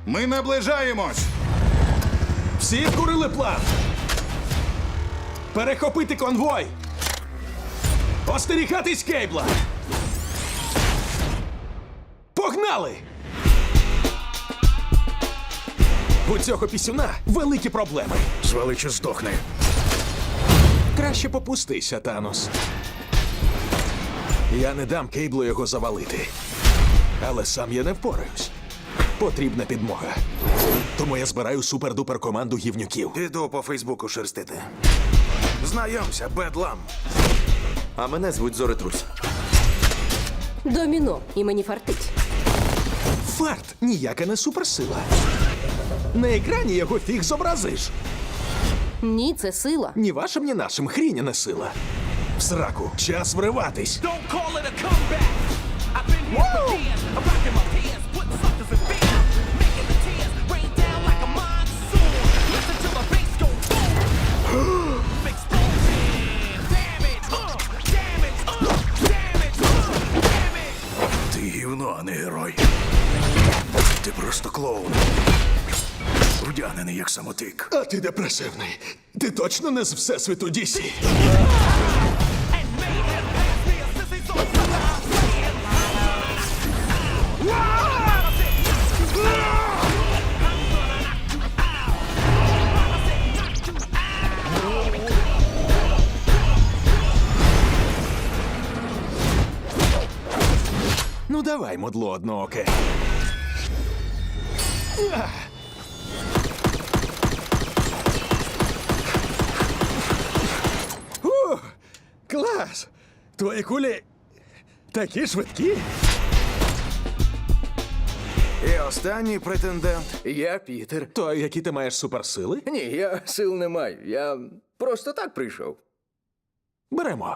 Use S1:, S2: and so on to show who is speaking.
S1: Ми наближаємось!
S2: Всі вкурили план. Перехопити конвой. Остерігатись Кейбла. Погнали! У цього пісюна великі проблеми.
S3: Звали чи здохне.
S2: Краще попустися, Танос. Я не дам Кейблу його завалити. Але сам я не впораюсь. Потрібна підмога. Тому я збираю супер-дупер команду гівнюків.
S3: Іду по Фейсбуку шерстити. Знайомся, Бедлам.
S4: А мене звуть Зоретрус.
S5: Доміно, і мені фартить.
S2: Фарт ніяка не суперсила. На екрані його фіг зобразиш.
S5: Ні, це сила.
S2: Ні вашим, ні нашим хріня не сила. В сраку, час вриватись.
S6: Don't call it a comeback. I've been here for years. I'm rocking my peers, putting suckers in fear, making the tears rain down like a monsoon. Listen to the bass go boom. Explosion, damage, damage, damage, damage.
S3: Ти гівно, а не герой. Ти просто клоун. Вдягнений як самотик.
S2: А ти депресивний. Ти точно не з Всесвіту DC?
S6: And mayhem pass me a sissy so sucker. I'm saying.
S2: Ну давай, мудло однооке. Клас! Твої кулі такі швидкі.
S3: І останній претендент.
S7: Я Пітер.
S2: То які ти маєш суперсили?
S7: Ні, я сил не маю. Я просто так прийшов.
S2: Беремо.